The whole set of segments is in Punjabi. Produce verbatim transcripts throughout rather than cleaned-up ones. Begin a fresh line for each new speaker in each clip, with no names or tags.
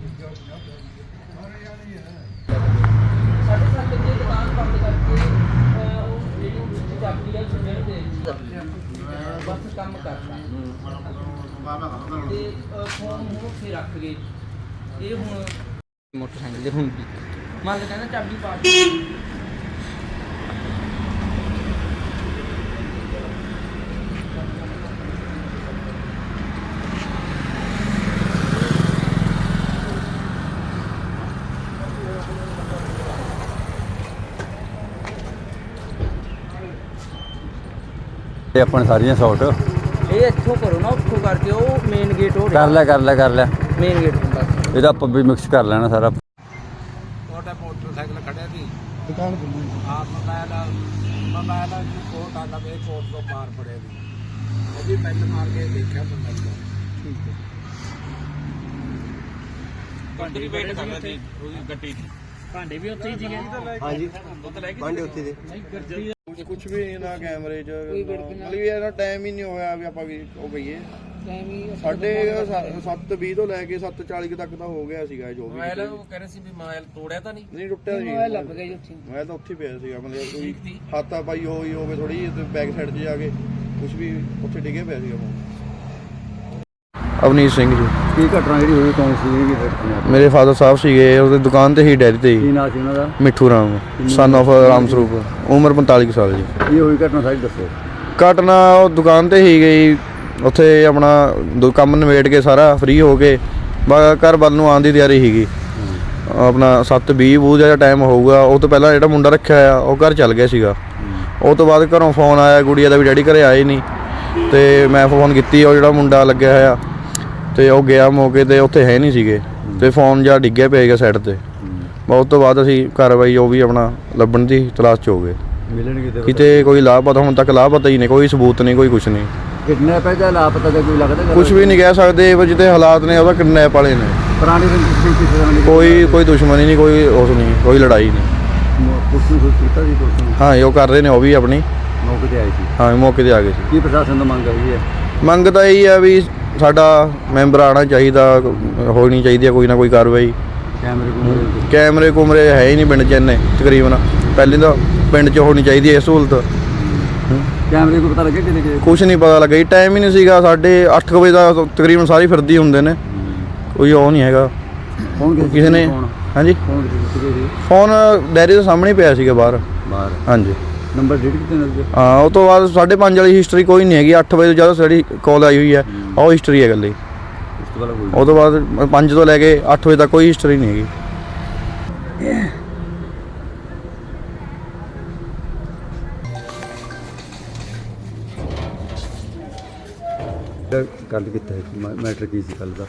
साढ़े सात बजे दुकान बंद करके चाबी है सुनने दे बस काम करता ते फोन हूँ फिर रख गए ये हूँ मोटरसाइकिल हूँ भी मान लो कहना चाबी पा
अपन सारियां शॉट
ये इत्थों करो ना उत्थों करके वो मेन गेट हो
कर लिया कर लिया कर लिया
मेन गेट बस
ਇਹਦਾ ਆਪਾਂ ਵੀ ਮਿਕਸ ਕਰ ਲੈਣਾ ਸਾਰਾ।
ਤੁਹਾਡਾ ਮੋਟਰਸਾਈਕਲ ਖੜਿਆ ਸੀ ਦੁਕਾਨ ਖੁੱਲੀ ਹਾਂ ਮੋਬਾਈਲ ਮੋਬਾਈਲ ਦੀ ਕੋਟ ਆਂਦਾ ਮੇਰੇ ਕੋਟ ਤੋਂ ਪਾਰ ਪੜਿਆ ਸੀ ਉਹ ਵੀ ਪੈਨ ਮਾਰ ਕੇ ਦੇਖਿਆ ਬੰਦਾ ਠੀਕ ਹੈ ਕੰਟਰੀ ਵੇਟ ਕਰਦਾ ਸੀ ਉਹਦੀ ਗੱਡੀ ਦੀ ਭਾਂਡੇ ਵੀ ਉੱਥੇ ਹੀ ਸੀਗੇ ਹਾਂਜੀ ਭਾਂਡੇ ਉੱਥੇ ਦੇ
ਕੁਝ ਵੀ ਨਾ ਕੈਮਰੇ 'ਚ ਮਤਲਬ ਵੀ ਇਹਦਾ ਟਾਈਮ ਹੀ ਨਹੀਂ ਹੋਇਆ ਵੀ ਆਪਾਂ ਵੀ ਉਹ ਗਈਏ ਸਾਡੇ ਸੱਤ ਵੀਹ ਤੋਂ ਲੈ ਕੇ ਸੱਤ ਚਾਲੀ ਤੱਕ ਤਾਂ ਹੋ ਗਿਆ ਸੀਗਾ ਜੋ ਵੀ
ਮੋਬਾਈਲ ਉਹ ਕਹਿ ਰਹੇ ਸੀ ਵੀ ਮੋਬਾਈਲ ਤੋੜਿਆ ਤਾਂ ਨਹੀਂ
ਨਹੀਂ ਟੁੱਟਿਆ ਸੀ ਮੋਬਾਈਲ ਲੱਭ ਗਿਆ ਜੀ ਉੱਥੇ ਮੋਬਾਈਲ ਤਾਂ ਉੱਥੇ ਪਿਆ ਸੀਗਾ ਮਤਲਬ ਕੋਈ ਹਾਤਾ ਪਾਈ ਹੋਈ ਹੋਵੇ ਥੋੜੀ ਜਿਹੀ ਬੈਕ ਸਾਈਡ 'ਚ ਜਾ ਕੇ ਕੁਝ ਵੀ ਉੱਥੇ ਡਿੱਗਿਆ ਪਿਆ ਸੀਗਾ ਫੋਨ। ਅਵਨੀਤ ਸਿੰਘ ਜੀ।
ਕੀ ਘਟਨਾ ਜਿਹੜੀ ਹੋਈ ਕੌਣ ਸੀ ਜੀ?
ਮੇਰੇ ਫਾਦਰ ਸਾਹਿਬ ਸੀਗੇ ਉਹਦੀ ਦੁਕਾਨ ਤੇ ਹੀ ਡੈਰੀ ਤੇ
ਕੀ ਨਾਂ ਸੀ ਉਹਨਾਂ ਦਾ?
ਮਿੱਠੂ ਰਾਮ ਸਨ ਆਫ ਰਾਮ ਸਰੂਪ ਉਮਰ ਪੰਤਾਲੀ ਕੁ ਸਾਲ ਜੀ।
ਕੀ ਹੋਈ ਘਟਨਾ ਸਾਰੀ ਦੱਸੋ।
ਘਟਨਾ ਉਹ ਦੁਕਾਨ ਤੇ ਹੀ ਗਈ ਉੱਥੇ ਆਪਣਾ ਦੋ ਕੰਮ ਨਿਬੇੜ ਕੇ ਸਾਰਾ ਫ੍ਰੀ ਹੋ ਕੇ ਘਰ ਵੱਲ ਨੂੰ ਆਉਣ ਦੀ ਤਿਆਰੀ ਸੀਗੀ ਆਪਣਾ ਸੱਤ ਵੀਹ ਬੂਹ ਦਾ ਟਾਈਮ ਹੋਊਗਾ। ਉਹ ਤੋਂ ਪਹਿਲਾਂ ਜਿਹੜਾ ਮੁੰਡਾ ਰੱਖਿਆ ਆ ਉਹ ਘਰ ਚੱਲ ਗਿਆ ਸੀਗਾ। ਉਹ ਤੋਂ ਬਾਅਦ ਘਰੋਂ ਫੋਨ ਆਇਆ ਗੁੜੀਆ ਦਾ ਵੀ ਡੈਡੀ ਘਰੇ ਆਏ ਨਹੀਂ ਅਤੇ ਮੈਂ ਫੋਨ ਕੀਤੀ ਉਹ ਜਿਹੜਾ ਮੁੰਡਾ ਲੱਗਿਆ ਹੋਇਆ ਅਤੇ ਉਹ ਗਿਆ ਮੌਕੇ 'ਤੇ ਉੱਥੇ ਹੈ ਨਹੀਂ ਸੀਗੇ ਅਤੇ ਫੋਨ ਜਿਹਾ ਡਿੱਗਿਆ ਪਿਆ ਸੀਗਾ ਸਾਈਡ 'ਤੇ। ਉਸ ਤੋਂ ਬਾਅਦ ਅਸੀਂ ਕਾਰਵਾਈ ਉਹ ਵੀ ਆਪਣਾ ਲੱਭਣ ਦੀ ਤਲਾਸ਼ 'ਚ ਹੋ ਗਏ।
ਮਿਲਣਗੇ
ਕਿਤੇ ਕੋਈ ਲਾਪਤਾ ਹੁਣ ਤੱਕ ਲਾਪਤਾ ਹੀ ਨਹੀਂ ਕੋਈ ਸਬੂਤ ਨਹੀਂ ਕੋਈ ਕੁਛ ਨਹੀਂ
ਕਿਡਨੈਪ ਹੈ ਜਾਂ ਲਾਪਤਾ ਦਾ ਕੋਈ ਲੱਗਦਾ
ਕੁਛ ਵੀ ਨਹੀਂ ਕਹਿ ਸਕਦੇ ਪਰ ਜਿੱਥੇ ਹਾਲਾਤ ਨੇ ਉਹਦਾ ਕਿਡਨੈਪ ਵਾਲੇ ਨੇ।
ਪੁਰਾਣੀ ਰੰਜਿਸ਼ ਕਿਸੇ ਤਰ੍ਹਾਂ ਦੀ
ਕੋਈ ਕੋਈ ਦੁਸ਼ਮਣੀ ਨਹੀਂ ਕੋਈ ਉਸ ਨਹੀਂ ਕੋਈ ਲੜਾਈ ਨਹੀਂ।
ਪੁਲਿਸ ਨੂੰ ਸੂਚਿਤ ਕੀਤਾ ਜੀ ਪੁਲਿਸ ਨੂੰ?
ਹਾਂ ਉਹ ਕਰ ਰਹੇ ਨੇ ਉਹ ਵੀ ਆਪਣੀ
ਮੌਕੇ ਤੇ ਆਏ ਸੀ।
ਹਾਂ ਮੌਕੇ 'ਤੇ ਆ ਗਏ ਸੀ।
ਕੀ ਪ੍ਰਸ਼ਾਸਨ ਤੋਂ ਮੰਗ ਆਈ ਹੈ?
ਮੰਗ ਤਾਂ ਇਹੀ ਆ ਵੀ ਸਾਡਾ ਮੈਂਬਰ ਆਉਣਾ ਚਾਹੀਦਾ ਹੋਣੀ ਚਾਹੀਦੀ ਹੈ ਕੋਈ ਨਾ ਕੋਈ ਕਾਰਵਾਈ।
ਕੈਮਰੇ ਕੁਮਰੇ
ਕੈਮਰੇ ਕੁਮਰੇ ਹੈ ਹੀ ਨਹੀਂ ਪਿੰਡ 'ਚ ਇੰਨੇ ਤਕਰੀਬਨ ਪਹਿਲੇ ਤਾਂ ਪਿੰਡ 'ਚ ਹੋਣੀ ਚਾਹੀਦੀ ਹੈ ਇਹ ਸਹੂਲਤ।
ਕੈਮਰੇ ਕੋਈ ਪਤਾ ਲੱਗਿਆ ਕਿਤੇ ਕਿ
ਕੁਛ ਨਹੀਂ ਪਤਾ ਲੱਗਾ ਜੀ ਟਾਈਮ ਹੀ ਨਹੀਂ ਸੀਗਾ ਸਾਢੇ ਅੱਠ ਕੁ ਵਜੇ ਦਾ ਤਕਰੀਬਨ ਸਾਰੇ ਫਿਰਦੇ ਹੁੰਦੇ ਨੇ ਕੋਈ ਉਹ ਨਹੀਂ ਹੈਗਾ।
ਕੌਣ
ਕਿਸੇ ਨੇ ਹਾਂਜੀ
ਕੌਣ ਕਿਸੇ ਸੀ
ਫੋਨ ਡੈਰੀ ਦੇ ਸਾਹਮਣੇ ਪਿਆ ਸੀਗਾ ਬਾਹਰ।
ਬਾਹਰ
ਹਾਂਜੀ
ਨੰਬਰ ਡੇਟ ਕਿਤੇ ਨਜ਼ਰ?
ਹਾਂ ਉਹ ਤੋਂ ਬਾਅਦ ਸਾਢੇ ਪੰਜ ਵਾਲੀ ਹਿਸਟਰੀ ਕੋਈ ਨਹੀਂ ਹੈਗੀ। ਅੱਠ ਵਜੇ ਜਦੋਂ ਸਾਡੀ ਕਾਲ ਆਈ ਹੋਈ ਹੈ ਉਹ ਹਿਸਟਰੀ ਹੈ ਇਕੱਲੀ।
ਉਸ ਤੋਂ ਬਾਅਦ ਕੋਈ
ਉਹ ਤੋਂ ਬਾਅਦ ਪੰਜ ਤੋਂ ਲੈ ਕੇ ਅੱਠ ਵਜੇ ਤੱਕ ਕੋਈ ਹਿਸਟਰੀ ਨਹੀਂ ਹੈਗੀ।
ਗੱਲ ਕੀਤਾ ਮੈਟਰ ਕੀ ਸੀ ਕੱਲ ਦਾ?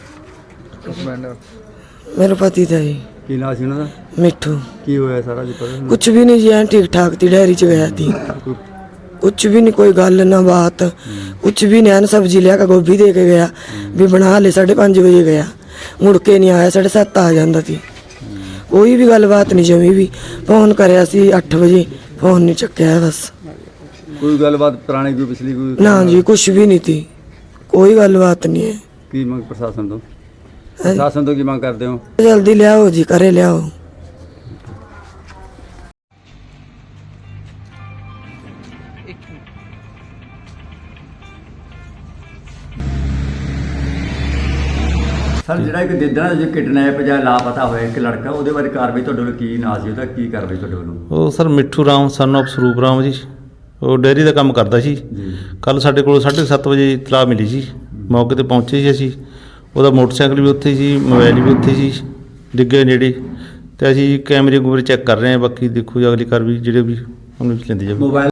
मेरा पति था जी
ਕੀ ਨਾਂ ਸੀ ਉਹਨਾਂ ਦਾ?
मिठू।
ਕੀ ਹੋਇਆ ਸਾਰਾ ਜੀ ਪਤਾ?
कुछ भी नहीं जी ऐन ठीक ठाक थी डेयरी च गया थी कुछ भी नहीं कोई गल ना बात कुछ भी नहीं। ऐन सब्जी लिया का गोभी दे के गया भी बना ले साढ़े पाँच बजे गया मुड़ के नहीं आया साढ़े सत्त आ जाता थी। कोई भी गलबात नहीं जमी भी फोन कराया सी अठ बजे फोन नहीं चक्या बस।
ਕੋਈ ਗੱਲਬਾਤ ਪੁਰਾਣੀ ਕੋਈ ਪਿਛਲੀ ਕੋਈ?
ना जी कुछ भी नहीं थी कोई गलबात नहीं है।
ਕੀ ਮੰਗ ਪ੍ਰਸ਼ਾਸਨ ਤੋਂ? ਪ੍ਰਸ਼ਾਸਨ ਤੋਂ ਕੀ ਮੰਗ ਕਰਦੇ ਹੋ?
जल्दी लियाओ जी करे लियाओ।
ਸਰ ਜਿਹੜਾ ਇੱਕ ਦਿਦਾਂ ਜੋ ਕਿਡਨੈਪ ਜਾਂ ਲਾਪਤਾ ਹੋਇਆ ਇੱਕ ਲੜਕਾ ਉਹਦੇ ਬਾਰੇ ਕਾਰਵਾਈ ਤੁਹਾਡੇ ਵੱਲੋਂ ਕੀ ਨਾਂ ਸੀ ਉਹਦਾ ਕੀ ਕਾਰਵਾਈ ਤੁਹਾਡੇ ਵੱਲੋਂ?
ਉਹ sir Mitthu Ram son of Sarup Ram ਜੀ ਉਹ ਡੇਅਰੀ ਦਾ ਕੰਮ ਕਰਦਾ ਸੀ
ਜੀ
ਕੱਲ ਸਾਡੇ ਕੋਲ ਸਾਢੇ ਸੱਤ ਵਜੇ ਇਤਲਾਹ ਮਿਲੀ ਸੀ ਮੌਕੇ ਤੇ ਪਹੁੰਚੇ ਸੀ ਅਸੀਂ ਉਹਦਾ ਮੋਟਰਸਾਈਕਲ ਵੀ ਉੱਥੇ ਸੀ ਮੋਬਾਈਲ ਵੀ ਉੱਥੇ ਸੀ ਡਿੱਗੇ ਨੇੜੇ ਤੇ ਅਸੀਂ ਕੈਮਰੇ ਕੂਮਰੇ ਚੈੱਕ ਕਰ ਰਹੇ ਹਾਂ ਬਾਕੀ ਦੇਖੋ ਜੀ ਅਗਲੀ ਕਾਰਵਾਈ ਜਿਹੜੇ ਵੀ ਉਹਨੂੰ ਲੈਂਦੀ ਜਾਵੇ।